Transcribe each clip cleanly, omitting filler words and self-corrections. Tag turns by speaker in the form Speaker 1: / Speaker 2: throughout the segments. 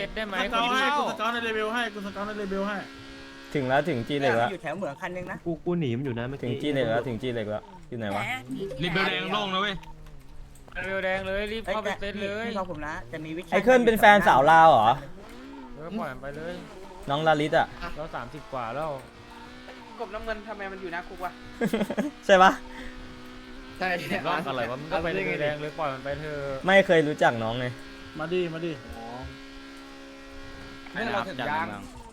Speaker 1: ตได้ไหม
Speaker 2: สเกลให้กูสเกลในเลเวลให้กูสเกลในเลเวลให้
Speaker 3: ถึงแล้วถึงจีเหล็กแล้ว
Speaker 4: อยู่แถวเหมืองคันนึงนะ
Speaker 5: กูหนีมันอยู่นะเมื่อ
Speaker 3: ถึง
Speaker 5: กี้
Speaker 3: จีเหล็กแล้วถึงจีเหล็กแล้วอยู่ไหนวะ
Speaker 6: รีบเบลแดงโล่งนะเว้ย
Speaker 1: เร็วแดงเลยรีบเข้าไปเซตเลย
Speaker 4: พี่ฟังผมนะจะมีวิชา
Speaker 3: ไอ้เคิลเป็นแฟนสาวลาวเหรอ
Speaker 1: ปล่อยมันไปเลย
Speaker 3: น้องลาลิสอ่ะ
Speaker 1: เรา30 กว่าแล้ว
Speaker 7: กบน้ำเงินทำไมมันอยู่นะคุกวะ
Speaker 3: ใช่ปะ
Speaker 7: ใช่
Speaker 1: รอบอะไรวะมันก็ไปเร็วแดงเลยปล่อยมันไปเถอะ
Speaker 3: ไม่เคยรู้จักน้องไง
Speaker 2: มาดิมาดิ
Speaker 7: เราถึงยัง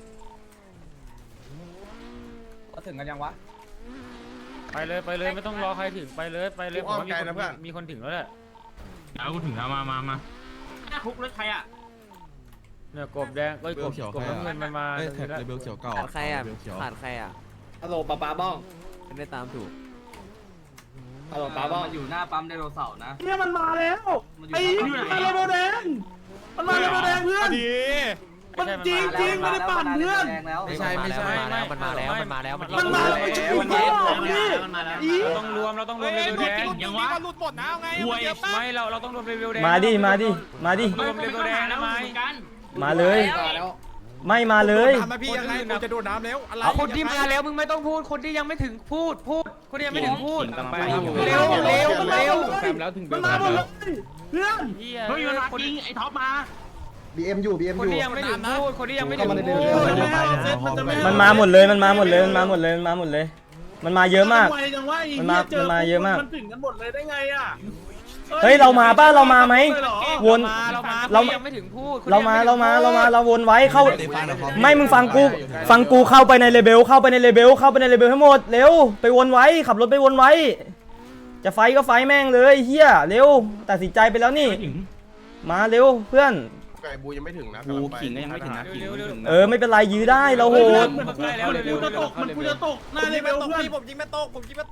Speaker 7: เราถึงกันยังวะ
Speaker 1: ไปเลยไม่ต้องรอใครถึงไปเลยผมว่ามีคนถึงแล้วแหละ
Speaker 6: เอากูถึงแล้วมา
Speaker 7: คุกรถใครอ่ะ
Speaker 1: เนี่ยกบแดงก็กบน้ำเงินมันมา
Speaker 8: แท็กเลเบลเขียวเก่า
Speaker 9: ขาดใครอ่ะขาดใครอ่ะ
Speaker 7: ฮัลโหลป้าบ้อง
Speaker 9: ไม่ได้ตามถูก
Speaker 7: ฮัลโหลป้าบ้องมันอยู่หน้าปั๊มไดโนเสาร์นะ
Speaker 2: เนี่ยมันมาแล้วไอ้มาเลเวลแดงมันมาเลเวลแดงเพื่อนมันจริงไม่ได้ปั่นเพื่อน
Speaker 9: ไม่ใช่มันมาแล้ว
Speaker 2: มันมาแล้ว
Speaker 1: เราต้องรวมเร็วแดง
Speaker 6: ยังวะ
Speaker 7: หลุดหมดนะเอาไง
Speaker 1: ไม่เราต้องรวมเร็วแดง
Speaker 3: มาดิ
Speaker 1: รวมเร็วแดงนะไม่
Speaker 3: มาเลยไม่มาเลย
Speaker 7: มาพี่ยังไงกูจะโดดน้ำแล้วอะไร
Speaker 1: คนที่มาแล้วมึงไม่ต้องพูดคนที่ยังไม่ถึงพูดคนที่ยังไม่ถึงพูด
Speaker 2: เร็วแล้วถึงมันมาหมดเลยเพื่อน
Speaker 6: เฮ้ยมันมาจริงไอ้ท็อปมา
Speaker 3: BM อยู่ BM
Speaker 1: คนที่ยังไม่ถึงพูดคนที่ยังไม่ถึงพูด
Speaker 3: มันมาหมดเลยมันมาหมดเลยมันมาเยอะมาก มันมาเยอะมาก
Speaker 2: มันถึงกันหมดเลยได้ไงอ่ะ
Speaker 3: เฮ้ยเรามาป่ะเรามาไหมวน
Speaker 1: เรายังไม่ถึงพูด
Speaker 3: เราวนไว้เข้าไม่มึงฟังกูเข้าไปในเลเบลให้หมดเร็วไปวนไว้ขับรถไปวนไว้จะไฟก็ไฟแม่งเลยเฮียเร็วตัดสินใจไปแล้วนี่มาเร็วเพื่อน
Speaker 8: ไก่บูยังไม่ถึงนะ
Speaker 7: กูขิงก็ยังไม่ถึงนะขิง
Speaker 3: ไม่เป็นไรยื้อได้เราโหด
Speaker 2: กูจะตกหน้าเลเวลเพื่อน
Speaker 7: ผมยิงไม่ตก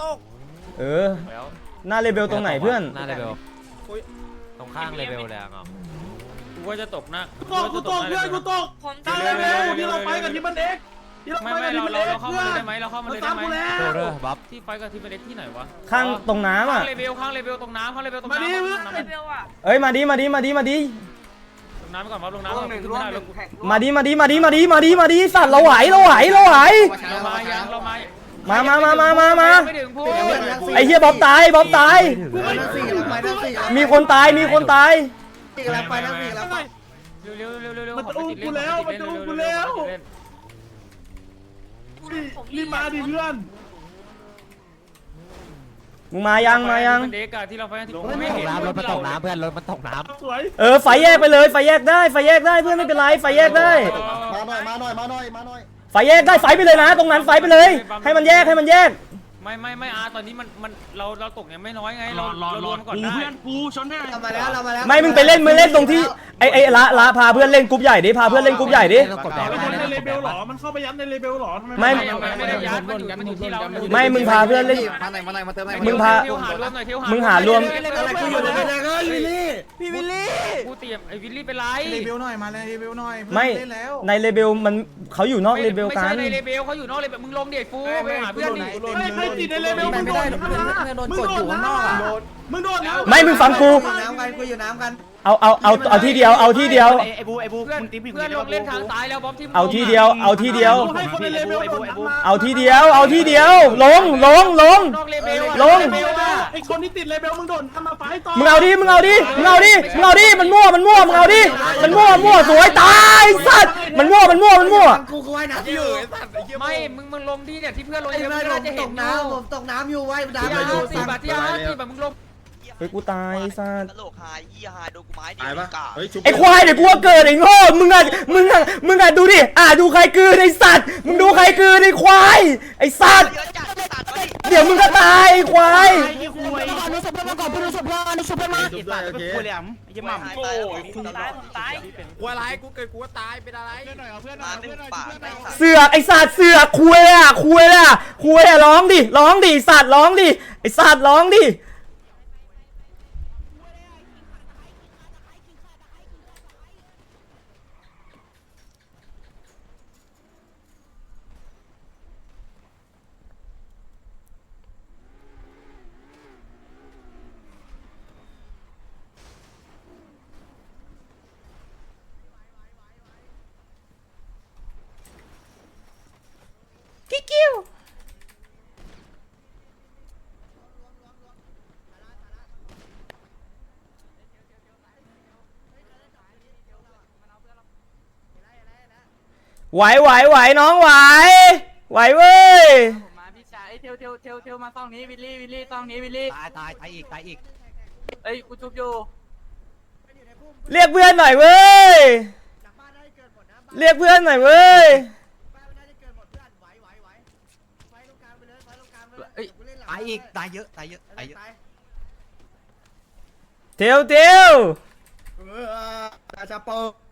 Speaker 3: หน้าเลเบลตรงไหนเพื่อน
Speaker 9: หน้าเลเวลตรงข้างเลเวลเลยอ่ะ
Speaker 1: กูว่าจะตกนะ
Speaker 2: กูตกเพื่อนกูตกหน้าเลเวลที่เราไปกับทีมมันเอ็ก
Speaker 1: ไม่เราเข้ามาเลยได้ไหมเราเข้ามาเลยได้ไหม
Speaker 9: โดเดอร์บัฟ
Speaker 1: ที่ไฟกับทีมเป็นเด็กที่ไหนวะ
Speaker 3: ข้างตรงน้ำอ่ะ
Speaker 1: ข้างเลเวลตรงน้ำตรง
Speaker 2: มาดิ
Speaker 1: น้ำ
Speaker 2: เพื่อน
Speaker 1: เลเวลอ่ะ
Speaker 3: เอ้ยมาดิ
Speaker 1: ลงน้ำไปก่อนลงน้ำก่อน
Speaker 3: มาดิสัตว์เราไหว
Speaker 1: เรามาไม่ถึงพูด
Speaker 3: ไอ้เหี้ยบ๊อบตายมีคนตายเร็ว
Speaker 2: มันจะอุ้มกูแล้วรีบมาดิเพื่อน
Speaker 3: มึงมายัง
Speaker 1: เด็กอะที่เราไฟที่
Speaker 9: ไม่ตกน้ำรถมันตกน้ำเพื่อนรถมันตกน้ำ
Speaker 2: สวย
Speaker 3: ไฟแยกไปเลยไฟแยกได้เพื่อนไม่เป็นไรไฟแยกได้
Speaker 8: มาหน่อย
Speaker 3: ไฟแยกได้ไฟไปเลยนะตรงนั้นไฟไปเลยให้มันแยก
Speaker 1: ไม่ตอนนี้มันเราตกยังไม่น้อยไงเรารวมก่อน
Speaker 6: กู
Speaker 1: ได้
Speaker 6: เพื่อนกูชนได้
Speaker 4: มาแล้ว
Speaker 3: ไม่มึงไปเล่นตรงที่ไอ้ละพาเพื่อนเล่นกรุ๊ปใหญ่ดิพาเพื่อนเล่นกรุ๊ปใหญ่ดิ
Speaker 9: กดแดง
Speaker 2: มันในเลเวลหรอมันเข้าไปยัดในเลเวลหรอทำไม
Speaker 3: ไม่
Speaker 1: ไม่ได้ยัดมันอยู่ที่เรา
Speaker 3: ไม่มึงพาเพื่อนเล่น
Speaker 7: มาเติม
Speaker 3: มึงพา มึงหารวม
Speaker 4: พี่วิลลี่
Speaker 1: กูเตรียมไอ้วิลลี่เป็นไร
Speaker 8: เลเบลหน่อยมาเลยเลเบลหน่อย
Speaker 3: ไม่ในเลเบลมันเขาอยู่นอกเลเบล
Speaker 1: ไม่
Speaker 3: กั
Speaker 1: ใช่
Speaker 3: น
Speaker 1: ในเลเบลเขาอยู่นอกเลเบลมึงลงเด็กฟูไปหาเพื่อนดิ
Speaker 2: ใครติดในเลเวลมึงโดนมึงโดนนะ
Speaker 3: ไม่มึงฟังกู
Speaker 4: น้ำกันกูอยู่น้ำกัน
Speaker 3: เอาที่เดียว
Speaker 7: ไอ้บู
Speaker 1: เพื่อน
Speaker 7: มึงตีผิว
Speaker 1: เพื่อนลงเล่นทางซ้ายแล้วบ๊อบที่
Speaker 3: เอาที่เดียว
Speaker 2: ให้คนในเลเวลโดนมา
Speaker 3: เอาที่เดียวลง
Speaker 1: นอกเลเบล
Speaker 2: ไอคนที่ติดเลเวลมึงโดนทำมาไฟต่อ
Speaker 3: มึงเอาดิมันมั่วมึงเอาดิมันมั่วสวยตายสัตว์มันมั่ว
Speaker 4: กูว่ายน้ำอยู่
Speaker 1: ไม่มึงลงที่เนี่ยที่เพื่อนลง
Speaker 4: ไอ้
Speaker 1: เพื่
Speaker 4: ไม่
Speaker 1: อน
Speaker 4: ล
Speaker 1: น่าง จะ
Speaker 4: ต
Speaker 1: เห็น
Speaker 4: กน้ำผมตกน้ำอยู่ไว้น้ำ
Speaker 1: ที่
Speaker 4: อยู่
Speaker 1: 50 บาทที่50 บาทมึงลง
Speaker 3: เฮ้ยกูตายสัตว์
Speaker 10: ตลกหายยี่หายโดนกูไม้ดิ
Speaker 8: ตายปะเฮ้ย
Speaker 3: ไอ้ควายเดี๋ยวกูว่าเกิดไอ้โง่มึงอ่ะดูดิดูใครกืนไอ้สัตว์มึงดูใครกืนไอ้ควายไอ้สัตว์
Speaker 10: เยอะจัดตัดมาดิ
Speaker 3: เดี๋ยวมึงก็ตายไอ้ควาย
Speaker 7: กูเหลี่ยมไอ้หม่ำ
Speaker 10: โอ้ยคุณตาย
Speaker 7: กูอะไรกูเกิดกูตายเป็นอะไร
Speaker 10: มาหนึ่งปากได้สัตว์
Speaker 3: เสือกไอ้สัตว์เสือกคุยร้องดิสัตว์ร้องดิไอ้สัตว์ร้องดิไหวน้องไหวเว้ย
Speaker 7: มาพี่ชายเทวมาต้องนี้วิลลี่ต้องนี้วิลลี่ตายอีกเอ้ยกูชุบอยู่
Speaker 3: เรียกเพื่อนหน่อยเว้ยเรียกเพื่อนหน่อยเว้ย
Speaker 7: เอ้ยตายอีกตายเยอะ
Speaker 3: เทียว
Speaker 4: ราชาโป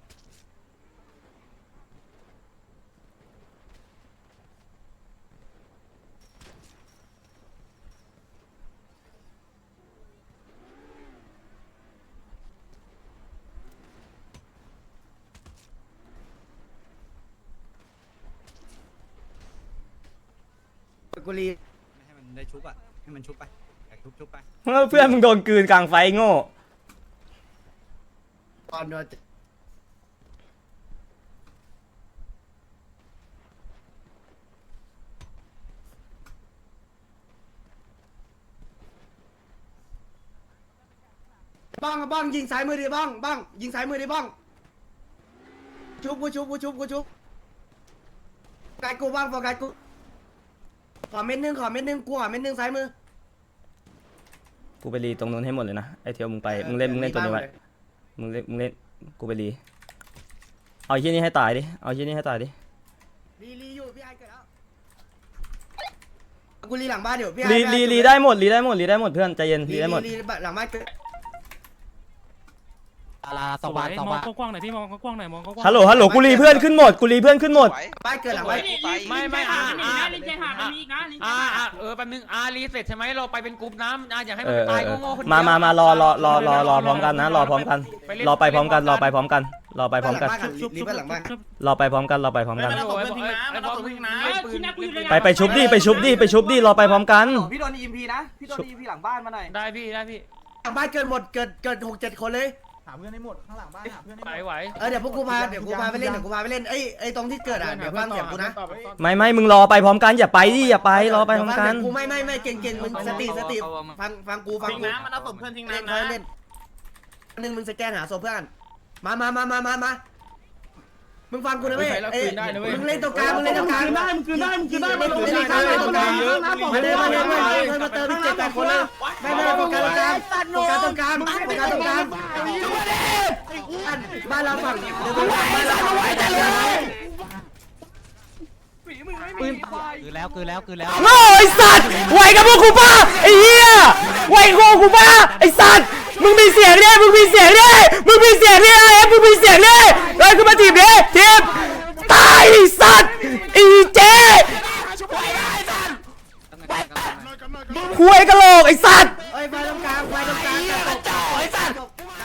Speaker 4: กุลี
Speaker 7: ให้มันได้ชุบอ่ะให้มันชุบไปชุบไป
Speaker 3: เพื่อนมึงโดนกลืนกลางไฟโง่
Speaker 4: ตอนโดนบ้องยิงสายมือดิบ้องยิงสายมือดิบ้องชุบกูไกกูบ้างโฟกัสกูขอเม็ดนึงกูขอเม็ดนึงซ้ายมือ
Speaker 3: กูไปรีตรงนู้นให้หมดเลยนะไอเทียวมึงไปมึงเล่นตัวนี้ไว้มึงเล่นกูไปรีเอาที่นี่ให้ตายดิ
Speaker 4: รีอยู่พี่ไอเกิดแล้วกูรีหลังบ้านเดี๋ยวพี่ไอ
Speaker 3: รีได้หมดเพื่อนใจเย็นรีได้หมด
Speaker 4: รีหลังบ้านเกิด
Speaker 9: สว่าง
Speaker 1: มองกว้างๆหน่อยพี่มองกว้างๆหน่อยมองกว้างๆ
Speaker 3: ฮัลโหลกูรีเพื่อนขึ้นหมด
Speaker 4: บ้านเกิดหลังบ้าน
Speaker 1: ไม่แป๊บนึงรีเสร็จใช่ไหมเราไปเป็นกลุ่มน้ำอย่าให้มันตายโง่ๆคนเดียว
Speaker 3: มารอพร้อมกันนะรอไปพร้อมกันรอไปพร้อมกัน
Speaker 4: รีบ้านหลังบ้าน
Speaker 3: รอไปพร้อมกัน
Speaker 1: ไป
Speaker 3: ไปชุบดิรอไปพร้อมกัน
Speaker 7: พี่โดนEMPนะพี่โดนEMPหลังบ้านมาหน่อย
Speaker 1: ได้พี่
Speaker 4: หลังบ้านเกิดหมดเกิด6-7 คนเลย
Speaker 8: หาเพื่อนให้หมดข้างหลังบ้านหาเพื่อนให้หมด
Speaker 1: ไหว
Speaker 4: เดี๋ยวกูพาไปเล่นไอ้ตรงที่เกิดเดี๋ยวฟังเสียงกูนะ
Speaker 3: ไม่มึงรอไปพร้อมกันอย่าไปรอไปพร้อมกัน
Speaker 4: กูไม่เก่งมึงสติฟังกูทิ้งน้ำมันเอาศพเพื่อนทิ้งน้ำนะเล่นนึงมึงสแกนหาศพเพื่อนมามึงฟังกูนะเว้ยมึงเล่นตรงกลางมึงได้มึงคืนได้มาเติมอีก7-8 คนเลยไม่โฟกัสตรงกลางบ้านเราฝั่งปืน
Speaker 9: คือแล้ว
Speaker 3: โง่ไอสัตว์ไหวกับพวกกูป่ะไอ้เหี้ยไหวกับพวกกูป่ะไอสัตว์มึงมีเสียงดิไอ้มึงมีเสียงดิเลยขึ้นมาทีบดิทีบตายไอสัตว์ไอ้เจ๊คุยกะโหลกไอสัตว์
Speaker 4: ไฟตรงกลางไอ้สัตว์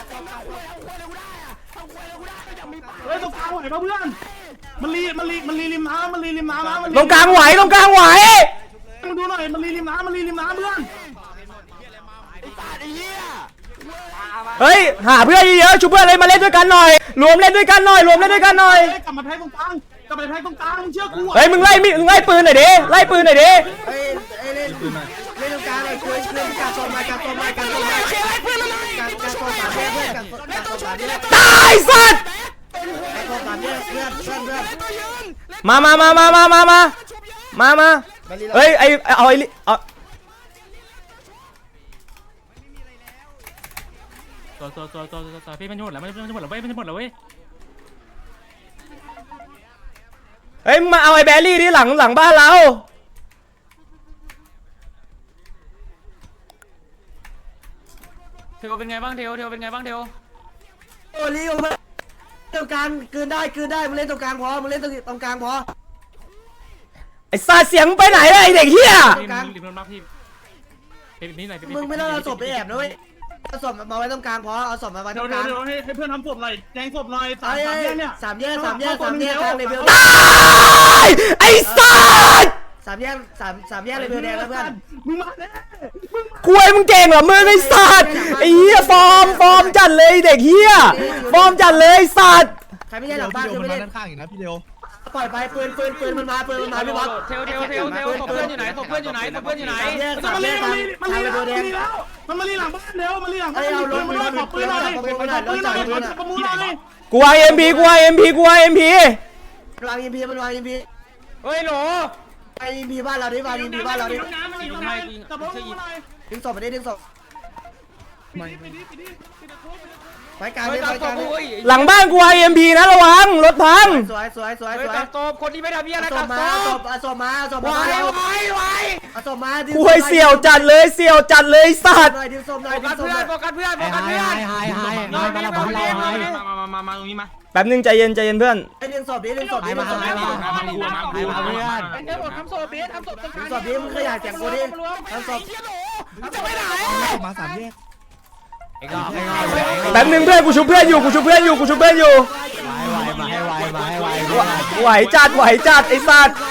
Speaker 2: ตรงกลางไหวป่ะเพื่อนมันรีริมน้ำ
Speaker 3: ตรงกลางไหว
Speaker 2: มึงดูหน่อยมันรีริมน้ำเพื่อน
Speaker 3: เฮ้ยหาเพื่อนเยอะๆชุบเพื่อนเลยมาเล่นด้วยกันหน่อยรวมเล่นด้วยกันหน่อย
Speaker 2: กลับมาแทงตรงกลางมึงเชื่อกู
Speaker 3: เฮ้ยมึงไล่ปืนหน่อยดิ
Speaker 4: เล่นตรงกลางเลยช่วยการโซนมา
Speaker 3: ตายสัตว์มาเฮ้ยเอา
Speaker 1: พี่มันหมดแล้วเว้ย
Speaker 3: เฮ้ยมาเอาไอ้แบรี่ที่หลังบ้านเรา
Speaker 1: เทวเป็นไงบ้างเทว
Speaker 4: โอ้ลิโอเพื่อนตรงกลางคืนได้มึงเล่นตรงกลางพอ
Speaker 3: ไอ้ซาเสียงไปไหนเลยไอ้เด็กเหี้ย
Speaker 1: ริมน้ำพี่นี่ไหน
Speaker 4: มึงไม่ต้องเอาศพไปแอบนะเว้ยเอาศพมาไว้ตรงกลางพอเอาศพมาไว้ตรงกลาง
Speaker 2: เดี๋ยวให้เพื่อนทำศพหน่อยแจงศพหน่อย3 แยกเนี่ย
Speaker 4: 3 แยกกลางเลเวล
Speaker 3: ตายไอ้สัตว์
Speaker 4: 3 แยกเลเวลแดงแล้วเพื่อน
Speaker 2: มึงมาแน่
Speaker 3: คุยมึงเก่งเหรอมึงไอ้สัตว์ไอ้เหี้ยฟอร์มจัดเลยเด็กเหี้ยฟอร์มจัดเลยสัตว์
Speaker 4: ใครไม่ใช่หลังบ้านคือไม่เล่น
Speaker 8: ข้างอีกนะพี่เดียว
Speaker 4: ปล่อยไปปืนมันมาพี่บอส
Speaker 1: เทวศพเพื่อนอยู่ไหน
Speaker 2: มันมาลีหลังบ้านเร็วมาลีหลังบ้านขอปืนหน่อยประมูลหน่อย
Speaker 3: กูวาง MP
Speaker 4: วางอินพีมันวางอินพี
Speaker 1: เฮ้ยโหล
Speaker 4: ไออินพีบ้านเราดิวางอินพีบ้านเราดิ
Speaker 1: ยิงให้ยิง
Speaker 2: จับรถมาหน่อย
Speaker 4: ดึงศพไปดิดึงศพ
Speaker 2: ไปดิ
Speaker 4: ไปกลางดิไปกลางดิ
Speaker 3: หลังบ้านกู IMP นะระวังรถพัง
Speaker 4: สวยสวยสวย
Speaker 1: เฮ้
Speaker 4: ส
Speaker 1: ย
Speaker 4: วย
Speaker 1: กักศพคนที่ไม่ทำเบี้ยอะไร
Speaker 4: ศ
Speaker 1: กั
Speaker 4: พ
Speaker 1: ก
Speaker 4: มา
Speaker 1: ศ
Speaker 4: ศ
Speaker 1: พ
Speaker 4: พศพมาศพมาเอาศพมา
Speaker 3: กูให้เสี่ยวจัดเลยเสี่ยวจัดเลยสัตว์
Speaker 4: หน่อยดึงศพหน่อย
Speaker 1: โฟ
Speaker 4: ดึ
Speaker 1: กั
Speaker 4: ง
Speaker 1: ส
Speaker 4: ศพ
Speaker 1: เพื่
Speaker 4: ห
Speaker 1: อน
Speaker 4: น่อย
Speaker 1: โฟกัสเพื่อนโฟกัสเพื่อน
Speaker 9: ไฮมาแล้วบอลเราไฮ
Speaker 6: มาตรงนี้มา
Speaker 3: แป๊บนึงใจเย็นใจเย็นเพื่อน
Speaker 4: ไอ้ดึงศพดิดึงศพดิ
Speaker 9: มาเพื่อน
Speaker 7: เดี๋ยวผมทำโซเบสทำโซ
Speaker 4: ดึงศพดิมึงขยายเสียงกูดิดึงศพ
Speaker 7: จะไปไหน
Speaker 8: มา3แยก
Speaker 9: ไอ้งอกไอ้งอก
Speaker 3: แป๊บนึงเพื่อนกูชุบเพื่อนอยู่กูชุบเพื่อนอยู่กูชุบเพื่อนอยู่
Speaker 9: มาให้ไวมาให้ไว
Speaker 3: ไหวจัดไหวจัดไอ้สัตว์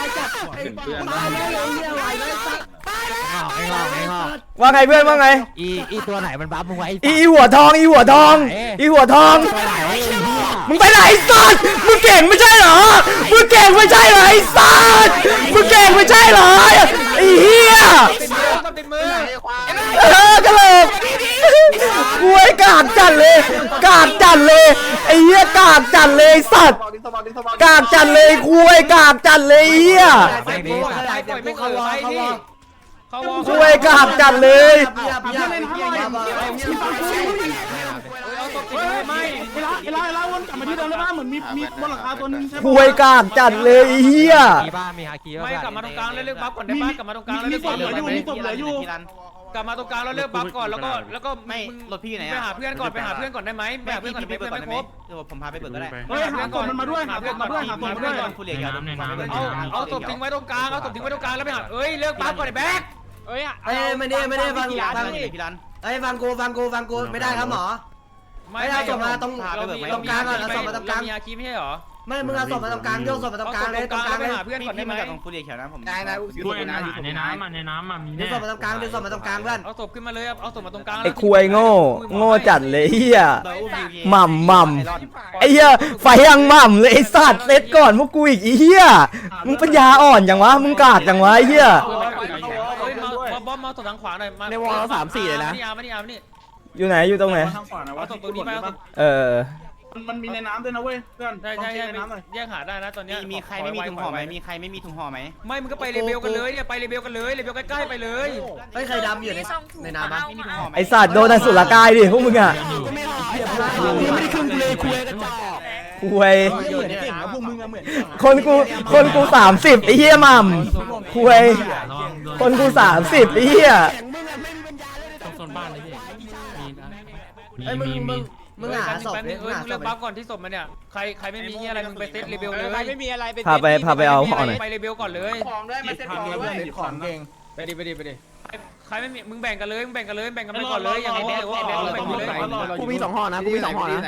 Speaker 9: ไอ้งอกไอ้งอก
Speaker 3: ว่าไงเพื่อนว่าไง
Speaker 9: อีตัวไหนมันบัฟมึงไว้
Speaker 3: อีหัวทองอีหัวทองอีหัวทอง
Speaker 9: ตัวไหน
Speaker 3: มึงไปไหนไอ้สัตว์มึงเก่งไม่ใช่เหรอมึงเก่งไม่ใช่เหรอไอ้สัตว์มึงเก่งไม่ใช่เหรอไอ้เหี้ย
Speaker 1: ติดมือ
Speaker 3: กระโหลกกูไอ้กากจัดเลยกากจัดเลยไอ้เหี้ยกากจัดเลยไอ้สัตว์กากจัดเลยกูไอ้กากจัดเลยไอ้เหี้ย
Speaker 1: ไปปล่อยไม่เกิดไปพี่เขาวอ
Speaker 3: กูไอ้กากจัดเลย
Speaker 1: เอาตบติดมือไม่
Speaker 2: เวลาวนกลับมาที่เดิมแล้วนะเหมือนมีบนหลังคาตัวนึงใช่
Speaker 3: กูไอ้กากจัดเลยไอ้เหี้ย
Speaker 9: มีบ้ามีฮาคี
Speaker 1: ไม่กลับมาตรงกลางแล้วเลือกบัฟก่อนได้ปะกลับมาตรงกลางแล้วเลือกบัฟก่อนได้ไหม
Speaker 2: มีศพเหลืออยู่
Speaker 1: กลับมาตรงกลางแล้วเลือกบัฟก่อนแล้วก็ไม่รถพี่ไหนไปหาเพื่อนก่อนไปหาเพื่อนก่อนได้ไหมไปหาเพื่อนก่อนไม่ครบ
Speaker 10: ผมพาไปเบิกก็ได้
Speaker 2: เฮ้ยหาศพมันมาด้วยหาศพมาด้วยหาศพมาด้วย
Speaker 10: ผู้เลี้ยงยา
Speaker 6: ในน้ำใน
Speaker 1: เอาศพทิ้งไว้ตรงกลางเอาศพทิ้งไว้ตรงกลางแล้วไปหาเอ้ยเลือกบัฟก่อนไอ้แบ๊กเอ้ย
Speaker 4: เอ้ยไม่ได้ฟัง
Speaker 10: พี่รัน
Speaker 4: เอ้ยฟังกูไม่ได้ครับหมอ
Speaker 1: มีอาคีไม่ใช่หรอ
Speaker 4: ไม่มึงเอาศพมาตรงกลางโยกศพมาตรงกลางเลยตรงกลาง
Speaker 1: ไป
Speaker 4: เลย
Speaker 1: หาเพื่อนก่อนได้ไหม
Speaker 10: ตรงผู้เลี้ยงเขียวนะผม
Speaker 6: ด้วยในน้ำในน้ำมี
Speaker 4: ดึ
Speaker 6: แน่
Speaker 4: งศพมาตรงกลางดึงศพมาตรงกลางเพื่อน
Speaker 1: เอาศพขึ้นมาเลยเอาศพมาตรงกลาง
Speaker 3: ไอ้คุยโง่จัดเลยเหี้ยหม่ำไอ้เหี้ยไฟยังหม่ำเลยไอ้สัตว์เซตก่อนพวกกูอีกไอ้เหี้ยมึงปัญญาอ่อนจังวะมึงกากจังวะไอ้เหี้ย
Speaker 1: มาบอมมาศพทางขวาหน่อยมานี่อานี่
Speaker 3: อยู่ไหนอยู่ตรงไหน
Speaker 2: ทางขวานะ
Speaker 1: เอา
Speaker 2: ว่า
Speaker 1: ศพตรงนี้ไป
Speaker 2: มันมีในน้ำด้วยนะเว้ยเพื่อน
Speaker 1: ใช่แยกหาได้นะตอนนี้
Speaker 10: มีใครไม่มีถุงห่อไหมมีใครไม่มีถุงห่อไหม
Speaker 1: ไม่มึงก็ไปเลเบลกันเลยเนี่ยไปเลเบลกันเลยเลเบลใกล้ๆไปเลย
Speaker 4: เฮ้ยใครดำอยู่ในน้ำปะ
Speaker 10: ไม่มีถุงห่อไหม
Speaker 3: ไอ้สัตว์โดนอสุรกายดิพวกมึงอ่ะ
Speaker 9: ไม่ได้ครึ่งเลยคุยกันจ่อ
Speaker 3: คุย
Speaker 8: เก่งนะพวกมึงอะเหมือน
Speaker 3: คนกู30ไอ้เหี้ยหม่ำคุยคนกู30ไอ้เหี้ย
Speaker 6: โซนบ้านเลยพี่
Speaker 4: เฮ้ยมึงหาศพ
Speaker 1: แป๊บนึงเลือกบัฟก่อนที่ศพมันเนี่ยใครไม่มีอะไรมึงไปเซตเลเบลเลย
Speaker 7: ไม่มีอะไรเป็น
Speaker 3: พาไปเอาห่อหน่อย
Speaker 1: ไปเลเบลก่อนเลย
Speaker 7: ของด้วยมาเซ็ตของด้วย
Speaker 8: ของเก่ง
Speaker 1: ไปดิใครไม่มีมึงแบ่งกันเลยแบ่งกันไปก่อนเลยอย่างนี้แบ่งกันเลย
Speaker 8: กูมี2ห่อนะกูมี2ห่อนะ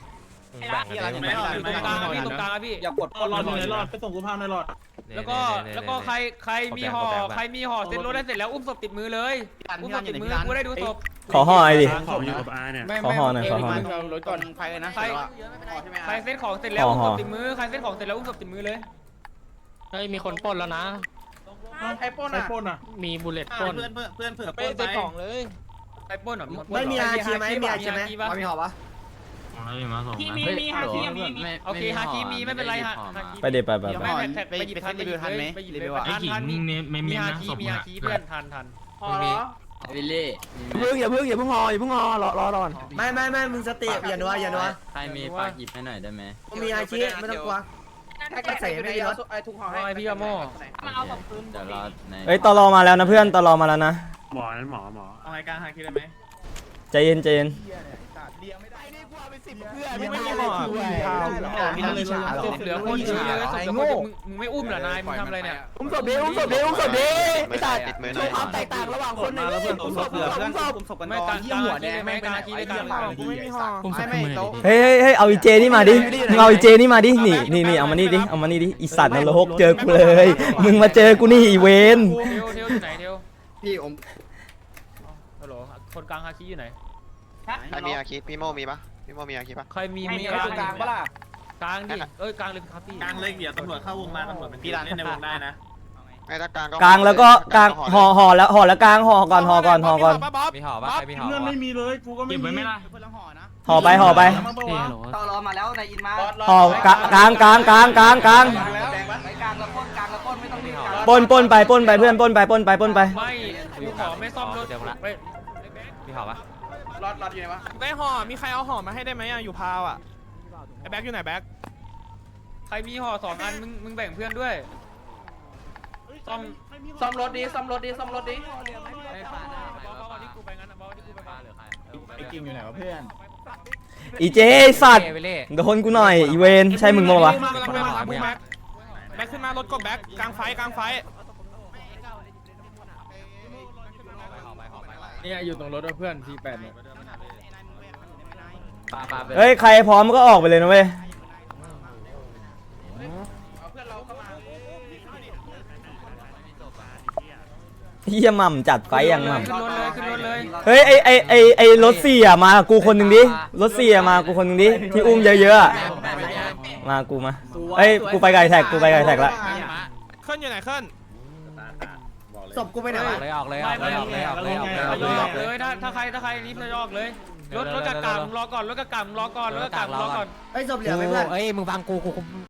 Speaker 1: ตรงกลางพี่
Speaker 2: อย่ากดรอดเลยรอดไปส่งกูพาหน่อยรอด
Speaker 1: แล้วก็ใครมีห่อเซ็ตรถได้เสร็จแล้วอุ้มศพติดมือเลยอุ้มศพติดมือกูได้ดูศพ
Speaker 3: ขอห่อไอ้ดิ
Speaker 6: ผมอยู่กับอาเนี่ย
Speaker 3: ขอห่อหน่อย
Speaker 10: รถก่อนใครนะ
Speaker 1: ใครเซ็ตของเสร็จแล้วอุ้มศพติดมือใครเซ็ตของเสร็จแล้วอุ้มศพติดมือเลย
Speaker 9: เฮ้ยมีคนปล้นแล้วนะ
Speaker 2: ใครปล้นอ่ะ
Speaker 9: มีบุลเลตปล้น
Speaker 10: เพื่อนเผื่อ
Speaker 7: ไปเซ็ตของเลย
Speaker 1: ใครปล้นหรอ
Speaker 4: ไม่มีอาชีไหมมีอาชีไหมมีหอปะ
Speaker 6: มาส่ง
Speaker 7: มีฮาคีมี
Speaker 1: โอเคฮาคีมีไม่เป็นไรฮะ
Speaker 3: ไปเดี๋ยวไป
Speaker 1: ไม่แท็กไปหยิบทันไปหยิบทัน
Speaker 6: ไอ้ขิงไม่
Speaker 1: มี
Speaker 6: มี
Speaker 1: ฮา
Speaker 6: นะ
Speaker 1: คี
Speaker 6: ศพ
Speaker 1: มีฮาคีเพื่อนทัน
Speaker 7: วิลลี่
Speaker 8: อย่าเพิ่งห่อรอก่อน
Speaker 4: ไม่มึงสติอย่านัว
Speaker 7: ใครมีปากหยิบให้หน่อยได้ไหม
Speaker 4: มีอาชีไม่ต้องกลัวถ้าใส่ไม่มีรถ
Speaker 7: ทุกห่อ
Speaker 1: ไอพี่โม่
Speaker 7: มาเอาของคืนเดี๋ยวรอใน
Speaker 3: เฮ้ยตลอมาแล้วนะเพื่อนตลอมาแล้วนะ
Speaker 6: หมอนั้นหมอ
Speaker 1: เอาไงกลางฮาคีได้ไหม
Speaker 3: ใจเย็น
Speaker 8: เพื่อนไม่มีห่อ
Speaker 1: ศพเหลือคนเดียวศพเหลือคนมึงไม่อุ้มเหรอนายมึงทำอะไรเนี่ย
Speaker 8: อุ้มศพดิไม่ตัดโชว์ความแตกต่างระหว่างคนในเรื่องอุ้มศพ
Speaker 1: ไม่กลางหัวแดงไม่กลางฮาคีได้กลาง
Speaker 8: กูไม่มีห่อ
Speaker 3: เฮ้ยเอาอีเจนี่มาดิมึงเอาอีเจนี่มาดินี่เอามานี่ดิอีสัตว์นรกเจอกูเลยมึงมาเจอกูนี่อีเวน
Speaker 1: เทลอยู่ไหนเทล
Speaker 10: พี่อม
Speaker 1: ฮัลโหลคนกลางฮาคีอยู่ไหน
Speaker 10: ใครมีอาคิพี่โมมีปะพี่โมมีอาคิปะ
Speaker 1: ใครมี
Speaker 7: กลางปะล่ะ
Speaker 1: กลางดิกลางเลยครับพี่
Speaker 6: กลางเลยเดี๋ยวตำรวจเข้าวงมาตำรวจเป็นพี่ร้านเล่นในวงได้นะ
Speaker 10: ไม่ถ้ากลางก็
Speaker 3: กลางแล้วก็กลางห่อแล้วกลางห่อก่อน
Speaker 9: มีห่อปะใครมีห่อ
Speaker 2: เพื่อน
Speaker 9: ปะ
Speaker 2: ไม่มีเลยกูก็ไม่
Speaker 6: เก็บ
Speaker 2: มี
Speaker 6: ไว้ไหมล่ะ
Speaker 10: เพื่อนละห่อนะ
Speaker 3: ห่อไปห่อไป
Speaker 7: ต่อรอมาแล้วในอินมา
Speaker 3: ห่อกลางกลางกลางกลางกลาง
Speaker 7: ไปกลางแล้วปล้นกลางแล้วปล้นไม่ต้องรีบกลาง
Speaker 3: ปล้นไปเพื่อนปล้นไป
Speaker 1: ไม่กูขอไม่ซ่อมรถไป
Speaker 9: มีห่อปะ
Speaker 10: รอดอยู่ไหนวะ
Speaker 2: ได้ห่อมีใครเอาห่อมาให้ได้ไหมอ่ะอยู่พาวอ่ะไอ้แบ็คอยู่ไหนแบ็ค
Speaker 1: ใครมีห่อ2 อันมึงแบ่งเพื่อนด้วยซ่อมรถดีซ่อมรถดีซ่อมรถดีที่กูไปงั้นนะบอสที่กูไปบ้าน
Speaker 2: ไอ้กิ่งอยู่ไหนวะเพื่อน
Speaker 3: อีเจสัตว์โดนกูหน่อยอีเวนใช่มึงมั้งวะ
Speaker 2: แบ็คขึ้นมารถกบแบ็คกลางไฟกลางไฟ
Speaker 9: เนี่ยอยู่ตรงรถเพื่อนที8เนี่ย
Speaker 3: เฮ้ยใครพร้อมก็ออกไปเลยนะเว้ยเฮียหม่ำจัดไฟอย่างหม่
Speaker 1: ขึ้นรถเลยขึ้นรถเลย
Speaker 3: ำเฮ้ยไอรถ4อ่ะมากูคนหนึ่งดิรถ4อ่ะมากูคนหนึ่งดิที่อุ้มเยอะๆอ่ะมากูมาเอ้ยกูไปไก่แท็กละ
Speaker 2: เคลื่อนอยู่ไหนเคลื่อน
Speaker 4: ศพกูไปไหนวะ
Speaker 9: เลยออกเลย
Speaker 1: ไม่ออกเลยถ้าใครรีบจะออกเลยรถกระกำรอก่อนรถกระกำรอก่อนรถกระกำรอก่อน
Speaker 4: ไอ้ศพเหลือไหมเพื่อน
Speaker 9: เอ้ยมึงฟังกู